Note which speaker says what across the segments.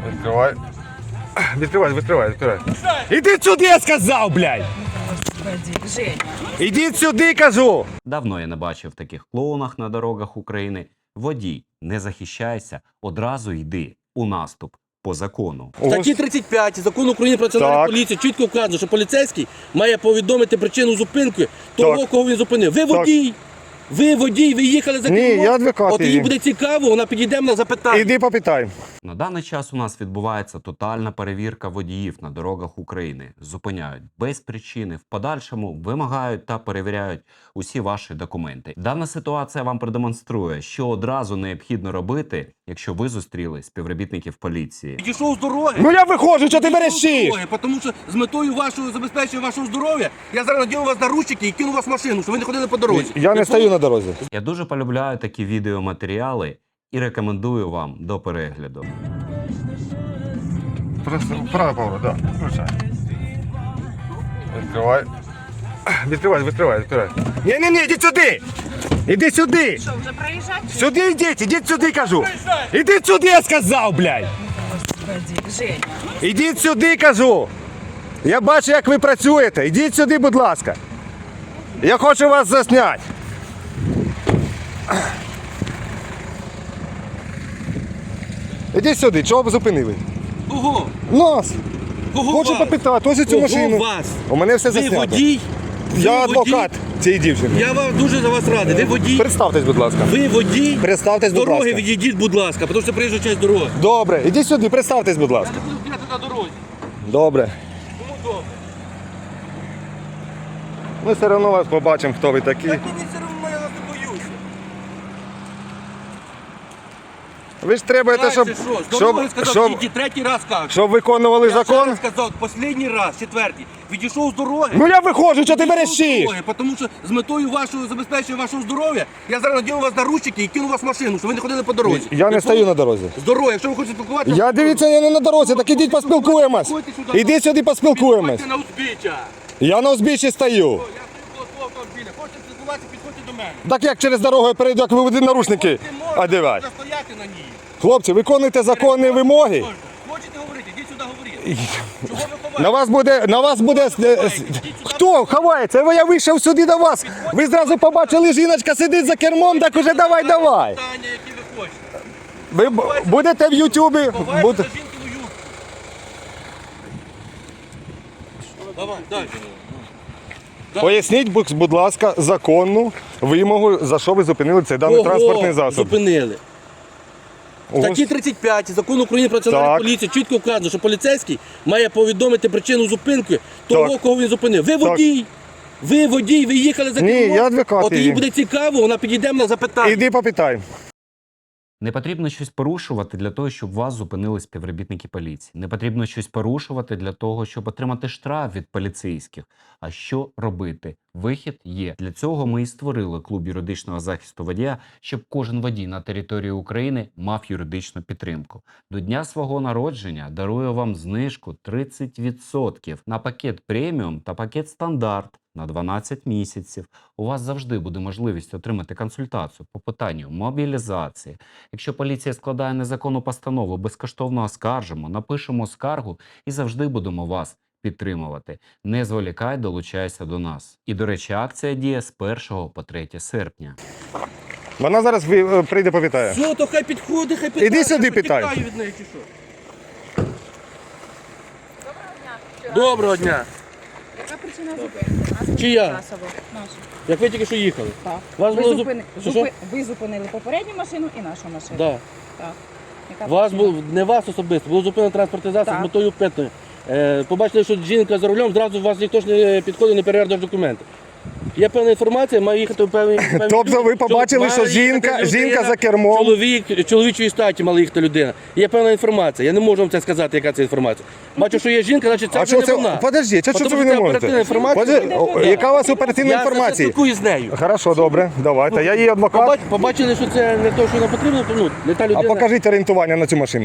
Speaker 1: Відкривай. Відкривай. Іди сюди, я сказав, блядь!
Speaker 2: Женя.
Speaker 1: Ідіть сюди, кажу!
Speaker 3: Давно я не бачив таких клоунах на дорогах України. Водій, не захищайся, одразу йди у наступ по закону.
Speaker 4: В статті 35 Закону України про національну
Speaker 1: Так.
Speaker 4: поліцію чітко вказано, що поліцейський має повідомити причину зупинки того,
Speaker 1: Так.
Speaker 4: кого він зупинив. Ви водій! Ви водій, ви їхали за
Speaker 1: Ні,
Speaker 4: кермом.
Speaker 1: я адвокат
Speaker 4: От їй
Speaker 1: її.
Speaker 4: буде цікаво, вона підійде на запитання.
Speaker 1: Іди попитай.
Speaker 3: На даний час у нас відбувається тотальна перевірка водіїв на дорогах України. Зупиняють без причини, в подальшому вимагають та перевіряють усі ваші документи. Дана ситуація вам продемонструє, що одразу необхідно робити, якщо ви зустріли співробітників поліції.
Speaker 4: Підійшов з дороги.
Speaker 1: Ну я виходжу, що ти мерещиш?
Speaker 4: Тому що з метою вашого забезпечення вашого здоров'я я зараз надіну вас на ручки і кину вас в машину, щоб ви не ходили по дорозі.
Speaker 1: Я не стою на дорозі.
Speaker 3: Я дуже полюбляю такі відеоматеріали і рекомендую вам до перегляду.
Speaker 1: Просто правий поворот, так. Включай. Відкривай. Ні, ідіть сюди! Іди сюди!
Speaker 2: Що, вже проїжджати?
Speaker 1: Сюди ідіть сюди, кажу! Ідіть сюди, я сказав, блядь!
Speaker 2: Женя.
Speaker 1: Ідіть сюди, кажу! Я бачу, як ви працюєте. Ідіть сюди, будь ласка. Я хочу вас засняти. Ідіть сюди, чого ви зупинили?
Speaker 4: Кого?
Speaker 1: Нас!
Speaker 4: Кого
Speaker 1: Хочу
Speaker 4: вас?
Speaker 1: попитати, ось цю
Speaker 4: Кого
Speaker 1: машину.
Speaker 4: вас?
Speaker 1: У мене все
Speaker 4: Ви
Speaker 1: заснято.
Speaker 4: водій?
Speaker 1: Я
Speaker 4: Ви
Speaker 1: адвокат цієї дівчини.
Speaker 4: водій? Я вам дуже за вас радий. Ви водій?
Speaker 1: Представтесь, будь ласка.
Speaker 4: Ви водій?
Speaker 1: Представтесь,
Speaker 4: З
Speaker 1: будь
Speaker 4: дороги
Speaker 1: ласка.
Speaker 4: відійдіть, будь ласка, тому що приїжджа часть дороги.
Speaker 1: Добре, ідіть сюди, представтесь, будь ласка.
Speaker 4: Я не буду стояти на дорозі.
Speaker 1: Добре.
Speaker 4: Кому добре?
Speaker 1: Ми все одно вас побачимо, хто ви такі.
Speaker 4: Так мені все одно, я вас не боюся.
Speaker 1: Ви ж требуєте, щоб,
Speaker 4: Дальше що? З дороги сказав,
Speaker 1: щоб,
Speaker 4: відійдіть, третій раз кажу.
Speaker 1: щоб виконували
Speaker 4: Я
Speaker 1: закон.
Speaker 4: ще раз сказав, останній раз, четвертий. Відійшов з дороги.
Speaker 1: Ну я виходжу, що ти
Speaker 4: Відійшов з
Speaker 1: мерещиш?
Speaker 4: дороги, тому що з метою вашого забезпечення вашого здоров'я я зараз надіну вас на ручки і кину вас в машину, щоб ви не ходили по дорозі.
Speaker 1: Я не стою на дорозі.
Speaker 4: З дороги, якщо ви хочете спілкуватися...
Speaker 1: Я дивіться, я не на дорозі, так ідіть поспілкуємось. Ідіть сюди поспілкуємось.
Speaker 4: Підходьте на узбіччя.
Speaker 1: Я на узбіччі стою.
Speaker 4: Я стою коло свого автомобіля. Хочете спілкуватися, підходьте до мене.
Speaker 1: Так як через дорогу я перейду, як ви будете наручники одягати.
Speaker 4: Застояти на ній.
Speaker 1: Хлопці, виконуйте законні вимоги.
Speaker 4: Можна. Хочете говорити, йдіть сюди говорити. Чого ви ховаєте?
Speaker 1: На вас буде... Хто ховається? Я вийшов сюди до вас. Ви зразу побачили, жіночка сидить за кермом, так уже давай.
Speaker 4: Питання, які ви хочете.
Speaker 1: Ви будете в Ютубі.
Speaker 4: Ховайте за жінкину юбку. Давай, далі.
Speaker 1: Поясніть, будь ласка, законну вимогу, за що ви зупинили цей даний
Speaker 4: Кого
Speaker 1: транспортний засіб.
Speaker 4: зупинили? В статті 35 Закону України про національну
Speaker 1: Так.
Speaker 4: поліцію чітко вказано, що поліцейський має повідомити причину зупинки того,
Speaker 1: Так.
Speaker 4: кого він зупинив. Ви водій! Ви водій, ви їхали за
Speaker 1: Ні,
Speaker 4: кермом.
Speaker 1: я адвокат
Speaker 4: От їй
Speaker 1: її.
Speaker 4: буде цікаво, вона підійде на запитання.
Speaker 1: Іди попитай.
Speaker 3: Не потрібно щось порушувати для того, щоб вас зупинили співробітники поліції. Не потрібно щось порушувати для того, щоб отримати штраф від поліцейських. А що робити? Вихід є. Для цього ми і створили клуб юридичного захисту водія, щоб кожен водій на території України мав юридичну підтримку. До дня свого народження дарую вам знижку 30% на пакет преміум та пакет стандарт на 12 місяців. У вас завжди буде можливість отримати консультацію по питанню мобілізації. Якщо поліція складає незаконну постанову, безкоштовно оскаржимо, напишемо скаргу і завжди будемо вас підтримувати. Не зволікай, долучайся до нас. І, до речі, акція діє з 1 по 3 серпня.
Speaker 1: Вона зараз прийде попитає.
Speaker 4: Все, то хай підходить, хай питає.
Speaker 1: Іди сюди,
Speaker 4: Я
Speaker 1: питай.
Speaker 4: потікаю від неї, чи що? Доброго дня.
Speaker 2: Яка причина зупинки?
Speaker 4: Чия?
Speaker 2: Наша.
Speaker 4: Як ви тільки що їхали?
Speaker 2: Так.
Speaker 4: Вас
Speaker 2: Ви,
Speaker 4: було
Speaker 2: зупини... ви зупинили попередню машину і нашу машину.
Speaker 4: Да.
Speaker 2: Так. Яка
Speaker 4: Вас
Speaker 2: причина?
Speaker 4: був не вас особисто, було зупинено транспортний засіб
Speaker 2: Так.
Speaker 4: з метою питної. Побачили, що жінка за рулем, зразу вас ніхто ж не підходить, не перевіряє документи. Є певна інформація, має їхати в певні...
Speaker 1: Тобто ви побачили, що жінка за кермом.
Speaker 4: Чоловічої статі мала їхати людина. Є певна інформація, я не можу вам це сказати, яка це інформація. Бачу, що є жінка, значить це
Speaker 1: А
Speaker 4: вже
Speaker 1: що
Speaker 4: не
Speaker 1: це?
Speaker 4: вона.
Speaker 1: Подождіть, а що
Speaker 4: Тому
Speaker 1: це ви не
Speaker 4: оперативна
Speaker 1: можете?
Speaker 4: інформація.
Speaker 1: Яка у вас оперативна
Speaker 4: Я
Speaker 1: інформація?
Speaker 4: спілкуюсь з нею.
Speaker 1: Хорошо, добре, давайте. Я її адвокат.
Speaker 4: Побачили, що це не те, що нам потрібно, ну, не та людина.
Speaker 1: А покажіть орієнтування на цю машину.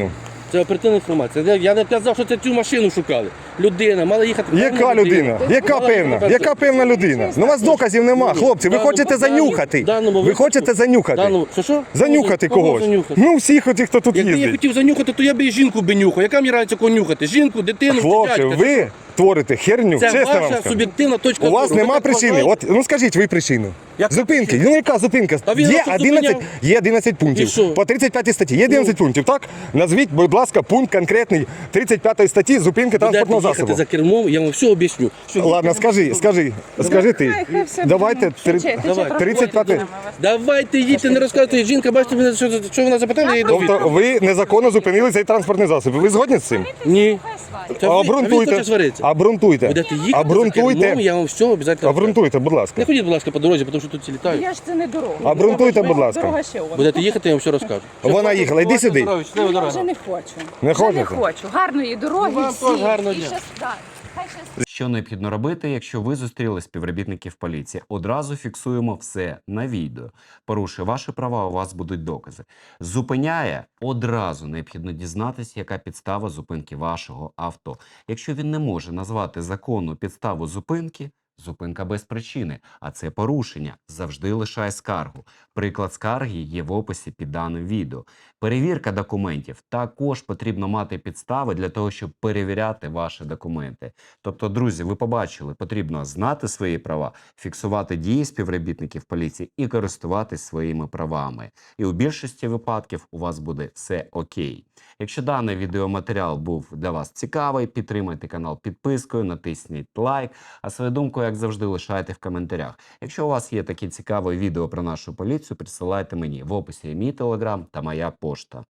Speaker 4: Це оперативна інформація. Я не казав, що це цю машину шукали. Людина, мала їхати.
Speaker 1: Яка
Speaker 4: певна
Speaker 1: людина? Яка
Speaker 4: Мала
Speaker 1: певна?
Speaker 4: їхати
Speaker 1: Яка певна людина? Ну у вас доказів нема, хлопці. Ви хочете занюхати. Ви хочете занюхати.
Speaker 4: Що?
Speaker 1: Занюхати
Speaker 4: Кого
Speaker 1: когось.
Speaker 4: занюхати?
Speaker 1: Ну всіх отих, хто тут
Speaker 4: Якби я
Speaker 1: їздить.
Speaker 4: хотів занюхати, то я б і жінку би нюхав. Яка мені разниця кого нюхати? Жінку, дитину,
Speaker 1: Хлопці,
Speaker 4: дядька?
Speaker 1: ви творите херню,
Speaker 4: Це
Speaker 1: чесно вам
Speaker 4: ваша
Speaker 1: скажу.
Speaker 4: суб'єктивна точка
Speaker 1: У вас
Speaker 4: зору. Ви
Speaker 1: нема
Speaker 4: так
Speaker 1: причини.
Speaker 4: вважаєте?
Speaker 1: От, ну скажіть ви причину.
Speaker 4: Яка
Speaker 1: Зупинки.
Speaker 4: причина?
Speaker 1: Ну яка зупинка?
Speaker 4: А він
Speaker 1: Є
Speaker 4: вас тут
Speaker 1: 11,
Speaker 4: зупиняв?
Speaker 1: є 11
Speaker 4: І
Speaker 1: пунктів.
Speaker 4: що?
Speaker 1: По 35 статті є 11 пунктів, так? Назвіть, будь ласка, пункт конкретний 35 статті зупинки транспортного
Speaker 4: Будете їхати
Speaker 1: засобу.
Speaker 4: за кермом, я вам все об'ясню.
Speaker 1: Ладно, скажи ти.
Speaker 2: Хай все
Speaker 1: Давайте
Speaker 2: Тече
Speaker 4: Давай.
Speaker 1: 35.
Speaker 4: Давайте їдьте, не розказуйте. Жінка, бачите, мене, що вона запитала, я їй дав
Speaker 1: Тобто
Speaker 4: відповідь.
Speaker 1: ви незаконно зупинили цей транспортний засіб. Ви згодні з цим?
Speaker 4: Ні. Це ви- а він
Speaker 1: Обґрунтуйте.
Speaker 4: хоче сваритися.
Speaker 1: Обґрунтуйте.
Speaker 4: Будете їхати за кермом,
Speaker 1: Обґрунтуйте.
Speaker 4: я вам все обов'язково.
Speaker 1: Обґрунтуйте, будь ласка.
Speaker 4: Не ходіть, будь ласка, по дорозі, тому що тут всі літають.
Speaker 2: Я ж це не дорога.
Speaker 1: Обґрунтуйте, будь ласка.
Speaker 2: Дорога ще вона.
Speaker 4: Будете їхати, я вам все розкажу.
Speaker 1: Вона їхала, йди сюди.
Speaker 2: Я вже не хочу.
Speaker 1: Не
Speaker 2: Вже не
Speaker 1: хочете?
Speaker 2: хочу. Гарної дороги
Speaker 4: Вам
Speaker 2: всім.
Speaker 4: теж гарного
Speaker 2: І
Speaker 4: дня.
Speaker 2: да. Хай щас-
Speaker 3: Що необхідно робити, якщо ви зустріли співробітників поліції? Одразу фіксуємо все на відео. Порушує ваші права, у вас будуть докази. Зупиняє, одразу необхідно дізнатися, яка підстава зупинки вашого авто. Якщо він не може назвати законну підставу зупинки, зупинка без причини, а це порушення. Завжди лишай скаргу. Приклад скарги є в описі під даним відео. Перевірка документів. Також потрібно мати підстави для того, щоб перевіряти ваші документи. Тобто, друзі, ви побачили, потрібно знати свої права, фіксувати дії співробітників поліції і користуватись своїми правами. І у більшості випадків у вас буде все окей. Якщо даний відеоматеріал був для вас цікавий, підтримайте канал підпискою, натисніть лайк, а свою думку, як завжди, лишайте в коментарях. Якщо у вас є такі цікаві відео про нашу поліцію, присилайте мені. В описі є мій телеграм та моя пошта.